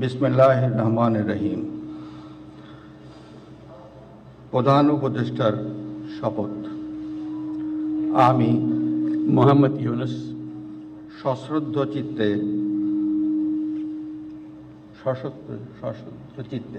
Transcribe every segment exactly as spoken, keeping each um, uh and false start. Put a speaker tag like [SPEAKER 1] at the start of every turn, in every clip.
[SPEAKER 1] বিসমিল্লাহির রহমানির রহিম। প্রধান উপদেষ্টার শপথ। আমি
[SPEAKER 2] মোহাম্মদ ইউনুস
[SPEAKER 1] সশ্রদ্ধ চিত্তে সশস্ত্র সশ্রদ্ধ চিত্তে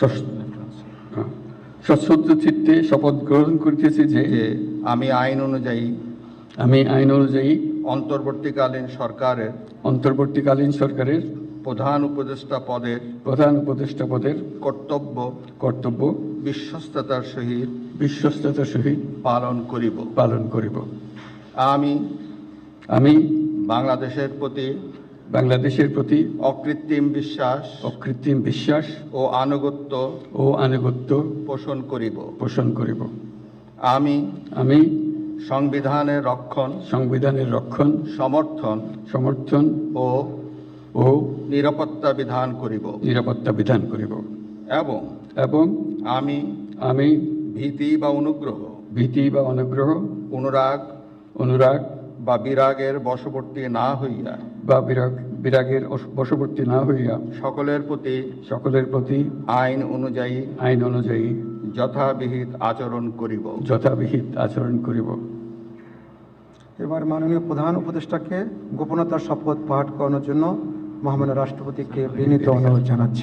[SPEAKER 2] সশ্রদ্ধ চিত্তে শপথ গ্রহণ করিতেছি যে
[SPEAKER 1] যে আমি আইন অনুযায়ী
[SPEAKER 2] আমি আইন অনুযায়ী
[SPEAKER 1] অন্তর্বর্তীকালীন সরকারের
[SPEAKER 2] অন্তর্বর্তীকালীন সরকারের
[SPEAKER 1] প্রধান উপদেষ্টা পদের
[SPEAKER 2] প্রধান উপদেষ্টা পদের
[SPEAKER 1] কর্তব্য
[SPEAKER 2] কর্তব্য
[SPEAKER 1] বিশ্বস্ততার সহিত
[SPEAKER 2] বিশ্বস্ততার সহিত
[SPEAKER 1] পালন করিব
[SPEAKER 2] পালন করিব।
[SPEAKER 1] আমি
[SPEAKER 2] আমি
[SPEAKER 1] বাংলাদেশের প্রতি
[SPEAKER 2] বাংলাদেশের প্রতি
[SPEAKER 1] অকৃত্রিম বিশ্বাস
[SPEAKER 2] অকৃত্রিম বিশ্বাস
[SPEAKER 1] ও আনুগত্য
[SPEAKER 2] ও আনুগত্য
[SPEAKER 1] পোষণ করিব।
[SPEAKER 2] পোষণ করিব।
[SPEAKER 1] আমি
[SPEAKER 2] আমি
[SPEAKER 1] সংবিধানের রক্ষণ,
[SPEAKER 2] সংবিধানের রক্ষণ,
[SPEAKER 1] সমর্থন
[SPEAKER 2] সমর্থন
[SPEAKER 1] ও
[SPEAKER 2] ও
[SPEAKER 1] নিরাপত্তা বিধান করিব
[SPEAKER 2] নিরাপত্তা বিধান করিব
[SPEAKER 1] এবং
[SPEAKER 2] এবং
[SPEAKER 1] আমি
[SPEAKER 2] আমি
[SPEAKER 1] ভীতি বা অনুগ্রহ,
[SPEAKER 2] ভীতি বা অনুগ্রহ,
[SPEAKER 1] অনুরাগ
[SPEAKER 2] অনুরাগ
[SPEAKER 1] বা বিরাগের বশবর্তী না হইয়া
[SPEAKER 2] বা বিরাগ বিরাগের অস- বশবর্তী না হইয়া
[SPEAKER 1] সকলের প্রতি
[SPEAKER 2] সকলের প্রতি
[SPEAKER 1] আইন অনুযায়ী
[SPEAKER 2] আইন অনুযায়ী
[SPEAKER 1] যথাবিহিত আচরণ করিব।
[SPEAKER 2] যথাবিহিত আচরণ করিব।
[SPEAKER 3] এবার মাননীয় প্রধান উপদেষ্টাকে গোপনতার শপথ পাঠ করানোর জন্য মহামান্য রাষ্ট্রপতিকে বিনীত অনুরোধ জানাচ্ছি।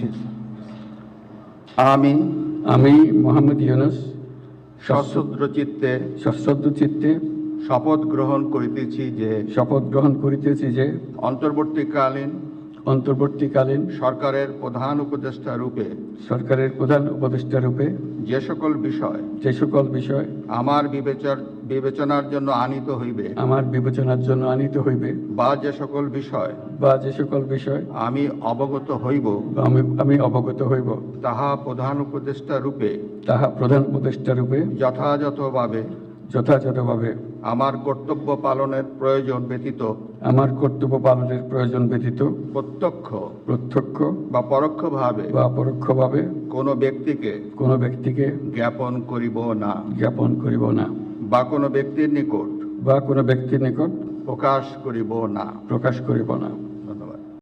[SPEAKER 1] আমি
[SPEAKER 2] আমি মোহাম্মদ ইউনুস
[SPEAKER 1] সশ্রদ্ধ চিত্তে
[SPEAKER 2] সশ্রদ্ধ চিত্তে
[SPEAKER 1] শপথ গ্রহণ করিতেছি যে
[SPEAKER 2] শপথ গ্রহণ করিতেছি যে
[SPEAKER 1] অন্তর্বর্তীকালীন
[SPEAKER 2] অন্তর্বর্তীকালীন
[SPEAKER 1] সরকারের প্রধান উপদেষ্টা রূপে
[SPEAKER 2] সরকারের প্রধান উপদেষ্টা রূপে
[SPEAKER 1] যে সকল বিষয়
[SPEAKER 2] যে সকল বিষয়
[SPEAKER 1] আমার বিবেচর বিবেচনার জন্য আনিত হইবে
[SPEAKER 2] আমার বিবেচনার জন্য আনিত হইবে
[SPEAKER 1] বা যে সকল বিষয়
[SPEAKER 2] বা যে সকল বিষয়
[SPEAKER 1] আমি অবগত হইব
[SPEAKER 2] বা আমি আমি অবগত হইব,
[SPEAKER 1] তাহা প্রধান উপদেষ্টা রূপে
[SPEAKER 2] তাহা প্রধান উপদেষ্টা রূপে
[SPEAKER 1] যথাযথভাবে
[SPEAKER 2] যথাযথভাবে
[SPEAKER 1] আমার কর্তব্য পালনের প্রয়োজন ব্যতীত
[SPEAKER 2] আমার কর্তব্য পালনের প্রয়োজন ব্যতীত
[SPEAKER 1] প্রত্যক্ষ
[SPEAKER 2] প্রত্যক্ষ
[SPEAKER 1] বা পরোক্ষভাবে
[SPEAKER 2] বা পরোক্ষভাবে
[SPEAKER 1] কোনো ব্যক্তিকে
[SPEAKER 2] কোনো ব্যক্তিকে
[SPEAKER 1] জ্ঞাপন করিব না
[SPEAKER 2] জ্ঞাপন করিব না
[SPEAKER 1] বা কোনো ব্যক্তির নিকট
[SPEAKER 2] বা কোনো ব্যক্তির নিকট
[SPEAKER 1] প্রকাশ করিব না।
[SPEAKER 2] প্রকাশ করিব না।